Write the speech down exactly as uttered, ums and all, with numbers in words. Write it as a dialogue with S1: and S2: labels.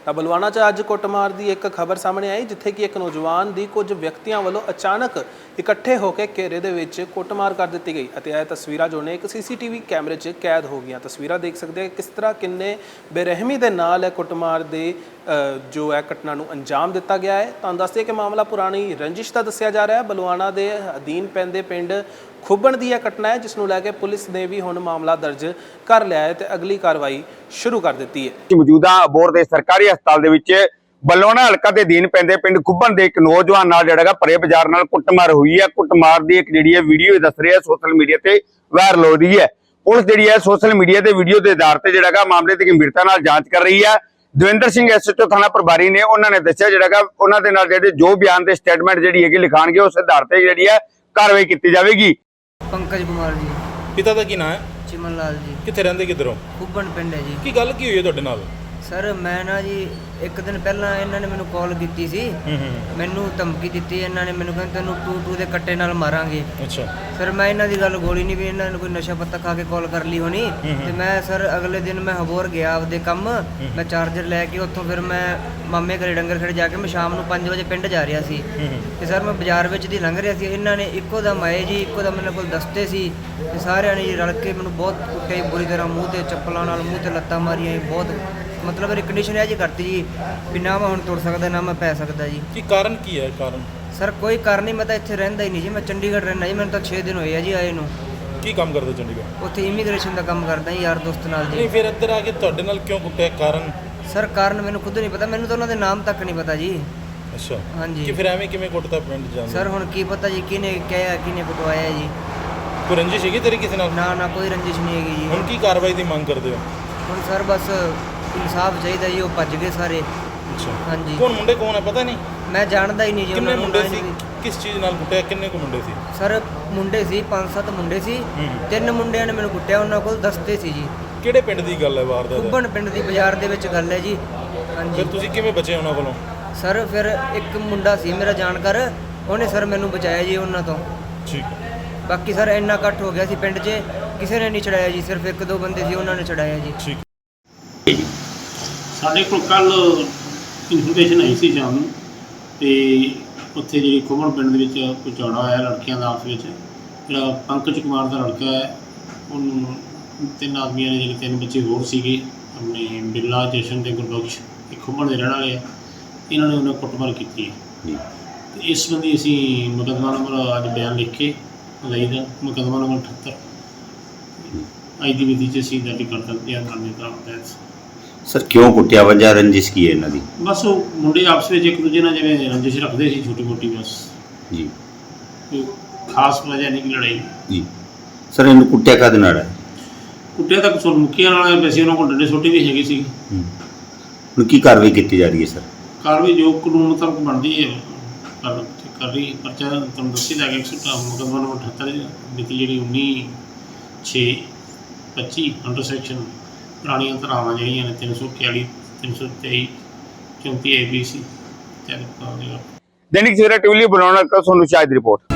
S1: ਤਾਂ ਬਲਵਾਣਾ 'ਚ ਅੱਜ ਕੁੱਟਮਾਰ ਦੀ ਇੱਕ ਖਬਰ ਸਾਹਮਣੇ ਆਈ, ਜਿੱਥੇ ਕਿ ਇੱਕ ਨੌਜਵਾਨ ਦੀ ਕੁਝ ਵਿਅਕਤੀਆਂ ਵੱਲੋਂ ਅਚਾਨਕ ਇਕੱਠੇ ਹੋ ਕੇ ਘੇਰੇ ਦੇ ਵਿੱਚ ਕੁੱਟਮਾਰ ਕਰ ਦਿੱਤੀ ਗਈ ਅਤੇ ਇਹ ਤਸਵੀਰਾਂ ਜੋ ਨੇ ਇੱਕ ਸੀਸੀਟੀਵੀ ਕੈਮਰੇ 'ਚ ਕੈਦ ਹੋ ਗਈਆਂ। ਤਸਵੀਰਾਂ ਦੇਖ ਸਕਦੇ ਹੋ ਕਿਸ ਤਰ੍ਹਾਂ ਕਿੰਨੇ ਬੇਰਹਿਮੀ ਦੇ ਨਾਲ ਇਹ ਕੁੱਟਮਾਰ ਦੇ ਜੋ ਹੈ ਘਟਨਾ ਨੂੰ ਅੰਜਾਮ ਦਿੱਤਾ ਗਿਆ ਹੈ। ਤੁਹਾਨੂੰ ਦੱਸਦੇ ਕਿ ਮਾਮਲਾ ਪੁਰਾਣੀ ਰੰਜਿਸ਼ ਦਾ ਦੱਸਿਆ ਜਾ ਰਿਹਾ ਹੈ। ਬਲਵਾਣਾ ਦੇ ਅਧੀਨ ਪੈਂਦੇ ਪਿੰਡ ਖੁੱਬਣ ਦੀ ਇਹ ਘਟਨਾ ਹੈ, ਜਿਸ ਨੂੰ ਲੈ ਕੇ ਪੁਲਿਸ ਨੇ ਵੀ ਹੁਣ ਮਾਮਲਾ ਦਰਜ ਕਰ ਲਿਆ ਹੈ ਤੇ ਅਗਲੀ ਕਾਰਵਾਈ ਸ਼ੁਰੂ ਕਰ ਦਿੱਤੀ ਹੈ।
S2: ਮੌਜੂਦਾ ਅਬੋਹਰ ਦੇ ਸਰਕਾਰੀ ਹਸਪਤਾਲ ਦੇ ਵਿੱਚ ਬਲਵਾਣਾ ਹਲਕਾ ਦੇ ਅਧੀਨ ਪੈਂਦੇ ਪਿੰਡ ਖੁੱਬਣ ਦੇ ਇੱਕ ਨੌਜਵਾਨ ਨਾਲ ਜਿਹੜਾ ਭਰੇ ਬਾਜ਼ਾਰ ਨਾਲ ਕੁੱਟਮਾਰ ਹੋਈ ਹੈ। ਕੁੱਟਮਾਰ ਦੀ ਇੱਕ ਜਿਹੜੀ ਹੈ ਵੀਡੀਓ ਦੱਸ ਰਹੀ ਹੈ ਸੋਸ਼ਲ ਮੀਡੀਆ ਤੇ ਵਾਇਰਲ ਹੋ ਰਹੀ ਹੈ। ਪੁਲਿਸ ਜਿਹੜੀ ਹੈ ਸੋਸ਼ਲ ਮੀਡੀਆ ਤੇ ਵੀਡੀਓ ਦੇ ਆਧਾਰ ਤੇ ਜਿਹੜਾ ਮਾਮਲੇ ਦੀ ਗੰਭੀਰਤਾ ਨਾਲ ਜਾਂਚ ਕਰ ਰਹੀ ਹੈ। ਦਵਿੰਦਰ ਸਿੰਘ ਐਸਐਚਓ ਥਾਣਾ ਪ੍ਰਭਾਰੀ ਨੇ ਉਹਨਾਂ ਨੇ ਦੱਸਿਆ ਜਿਹੜਾ ਉਹਨਾਂ ਦੇ ਨਾਲ ਜਿਹੜੇ ਜੋ ਬਿਆਨ ਤੇ ਸਟੇਟਮੈਂਟ ਜਿਹੜੀ ਹੈਗੀ ਲਿਖਾਣਗੇ ਉਸ ਆਧਾਰ ਤੇ ਜਿਹੜੀ ਹੈ ਕਾਰਵਾਈ ਕੀਤੀ ਜਾਵੇਗੀ।
S3: पंकज कुमार जी।
S4: पिता का की नाम है?
S3: चिमन लाल जी।
S4: कितने रहंदे किधरों?
S3: खुब्बन पिंड है जी।
S4: की गल की हुई है तुहाडे नाल?
S3: सर मैं ना जी एक दिन पहला इन्होंने मैंने कॉल की सी, मैनू धमकी दी, इन्होंने मैंने कहते तेनू टू टू के कट्टे नाल मारांगे।
S4: अच्छा
S3: सर मैं इन्हों की गल गोली नहीं भी इन्होंने कोई नशा पत्ता खा के कॉल कर ली होनी। तो मैं सर अगले दिन मैं हबोर गया आपदे कम, मैं चार्जर लैके उत्थों फिर मैं मामे घरे डंगर खड़े जाके मैं शाम को पाँच बजे पिंड जा रहा सी। ते सर मैं बाजार विच दी लंघ रहा सी, इन्होंने इक्को दम आए जी, इक्को दम मेरे को दसते सी ते सारिਆਂ ने रल के मैंने बहुत कुट्टे बुरी तरह मूँह ते चप्पलों नाल मूँह ते लत्तां मारियां। बहुत मतलब मेरी कंडीशन है जी करती जी भी ना मैं हुण तुर सकदा ना मैं पै सकदा जी।
S4: की कारण की है? कारण
S3: सर कोई कारण नहीं, मैं तो इत्थे रहिंदा ही नहीं जी, मैं चंडीगढ़ रहना जी, मैंने तो छे दिन होए आ जी आए नूं।
S4: की काम करदे चंडीगढ़?
S3: उत्थे इमीग्रेशन का काम करदा जी यार दोस्त नाल जी।
S4: नहीं फिर इधर आके तुहाडे नाल क्यों कुੱਟਿਆ? कारण
S3: सर कारण मैंने खुद नहीं पता, मैंने तो उन्होंने नाम तक नहीं पता जी।
S4: अच्छा
S3: हाँ जी।
S4: कि फिर एवें किवें कुੱਟਦਾ ਪਿੰਡ ਜਾਂਦਾ?
S3: सर हुण की पता जी किने कहा किने कुटवाया जी।
S4: कोई रंजिश हैगी तेरी किसी नाल?
S3: ना ना कोई रंजिश नहीं हैगी जी।
S4: हुण की कार्रवाई दी मांग करदे हो?
S3: हुण सर बस इंसाफ चाहिए जी, वो भज गए सारे।
S4: अच्छा
S3: हाँ जी।
S4: कौन मुंडे कौन है पता नहीं?
S3: मैं जानदा ही नहीं जी।
S4: किन्ने
S3: उन्होंने
S4: मुंडे सी?
S3: भी-
S4: किस चीज़ नाल कुੱਟਿਆ? किन्ने को मुंडे सी?
S3: सर मुंडे सी पाँच सत्त मुंडे सी, ਤਿੰਨ ਮੁੰਡਿਆਂ ਨੇ ਮੈਨੂੰ ਕੁੱਟਿਆ, ਉਹਨਾਂ ਕੋਲ ਦਸਤੇ ਸੀ ਜੀ।
S4: ਕਿਹੜੇ ਪਿੰਡ ਦੀ ਗੱਲ ਹੈ ਵਾਰਦਾਤ?
S3: ਖੁੱਬਣ ਪਿੰਡ ਦੀ ਬਾਜ਼ਾਰ ਦੇ ਵਿੱਚ ਗੱਲ ਹੈ ਜੀ। ਹਾਂਜੀ
S4: ਫਿਰ ਤੁਸੀਂ ਕਿਵੇਂ ਬਚੇ ਉਹਨਾਂ ਕੋਲੋਂ?
S3: ਸਰ ਫਿਰ ਇੱਕ ਮੁੰਡਾ ਸੀ ਮੇਰਾ ਜਾਣਕਾਰ, ਉਹਨੇ ਸਰ ਮੈਨੂੰ ਬਚਾਇਆ ਜੀ ਉਹਨਾਂ ਤੋਂ।
S4: ਠੀਕ ਹੈ।
S3: ਬਾਕੀ ਸਰ ਇੰਨਾ ਇਕੱਠ ਹੋ ਗਿਆ ਸੀ ਪਿੰਡ 'ਚ, ਕਿਸੇ ਨੇ ਨਹੀਂ ਛੜਾਇਆ ਜੀ, ਸਿਰਫ ਇੱਕ ਦੋ ਬੰਦੇ ਸੀ ਉਹਨਾਂ ਨੇ ਛੜਾਇਆ ਜੀ।
S4: ਠੀਕ।
S5: ਸਾਡੇ ਕੋਲ ਕੱਲ ਇਨਫੋਰਮੇਸ਼ਨ ਆਈ ਸੀ ਸ਼ਾਮ ਨੂੰ, ਤੇ ਉੱਥੇ ਜਿਹੜੀ ਖੁੱਬਣ ਪਿੰਡ ਦੇ ਵਿੱਚ ਕੋਈ ਝਗੜਾ ਹੋਇਆ ਲੜਕੀਆਂ ਦਾ ਆਪਸ ਵਿੱਚ। ਜਿਹੜਾ ਪੰਕਜ ਕੁਮਾਰ ਦਾ ਲੜਕਾ ਹੈ, ਉਹਨੂੰ ਤਿੰਨ ਆਦਮੀਆਂ ਨੇ, ਜਿਹੜੇ ਤਿੰਨ ਬੱਚੇ ਹੋਰ ਸੀਗੇ, ਆਪਣੇ ਬਿੱਲਾ, ਜਸ਼ਨ ਤੇ ਗੁਰਬਖਸ਼, ਇਹ ਖੁੱਬਣ ਦੇ ਰਹਿਣ ਵਾਲੇ ਆ, ਇਹਨਾਂ ਨੇ ਉਹਨਾਂ ਕੁੱਟਮਾਰ ਕੀਤੀ ਹੈ। ਤੇ ਇਸ ਸੰਬੰਧੀ ਅਸੀਂ ਮੁਕੱਦਮਾ ਨੰਬਰ ਅੱਜ ਬਿਆਨ ਲਿਖ ਕੇ ਲਈ ਦਾ, ਮੁਕੱਦਮਾ ਨੰਬਰ ਅਠੱਤਰ ਅੱਜ ਦੀ ਵਿਧੀ 'ਚ ਅਸੀਂ ਦਰਜ ਕਰ ਦਿੱਤੇ ਆ ਕਾਨੂੰਨੀ ਤੌਰ।
S6: ਸਰ ਕਿਉਂ ਕੁੱਟਿਆ? ਵਜ੍ਹਾ ਰੰਜਿਸ਼ ਕੀ ਹੈ ਇਹਨਾਂ ਦੀ?
S5: ਬਸ ਉਹ ਮੁੰਡੇ ਆਪਸ ਵਿੱਚ ਇੱਕ ਦੂਜੇ ਨਾਲ ਜਿਵੇਂ ਰੰਜਿਸ਼ ਰੱਖਦੇ ਸੀ ਛੋਟੀ ਮੋਟੀ, ਬਸ
S6: ਜੀ
S5: ਕੋਈ ਖਾਸ ਵਜ੍ਹਾ ਨਹੀਂ ਲੜਾਈ।
S6: ਜੀ ਸਰ ਇਹਨੂੰ ਕੁੱਟਿਆ ਕਾਹਦੇ ਨਾਲ ਹੈ?
S5: ਕੁੱਟਿਆ ਤਾਂ ਸੁਰ ਮੁੱਕੀਆਂ ਨਾਲ ਵੈਸੇ, ਉਹਨਾਂ ਕੋਲ ਡੰਡੇ ਛੋਟੇ ਵੀ ਹੈਗੇ ਸੀ।
S6: ਹੁਣ ਕੀ ਕਾਰਵਾਈ ਕੀਤੀ ਜਾ ਰਹੀ ਹੈ ਸਰ?
S5: ਕਾਰਵਾਈ ਜੋ ਕਾਨੂੰਨ ਮੁਤਾਬਕ ਬਣਦੀ ਹੈ ਕਰ ਕਰ ਰਹੀ। ਪਰਚਾ ਤੁਹਾਨੂੰ ਦੱਸੀ ਜਾ ਕੇ ਮੁਕੱਦਮਾ ਨੰਬਰ ਅਠੱਤਰ ਮਿਤੀ ਜਿਹੜੀ ਉੱਨੀ ਛੇ ਪੱਚੀ ਅੰਡਰ ਸੈਕਸ਼ਨ ਪੁਰਾਣੀਆਂ ਧਾਰਾਵਾਂ ਜਿਹੜੀਆਂ ਨੇ ਤਿੰਨ ਸੌ ਇਕਤਾਲੀ, ਤਿੰਨ ਸੌ ਤੇਈ, ਚੌਂਤੀ ਏ ਬੀ ਸੀ ਤਿਆਰ ਕਰ ਦੇਗਾ।
S2: ਦੈਨਿਕ ਸਵੇਰਾ ਟੀਵੀ ਲਈ ਬਣਾਉਣਾ ਤੁਹਾਨੂੰ ਸ਼ਾਇਦ ਰਿਪੋਰਟ।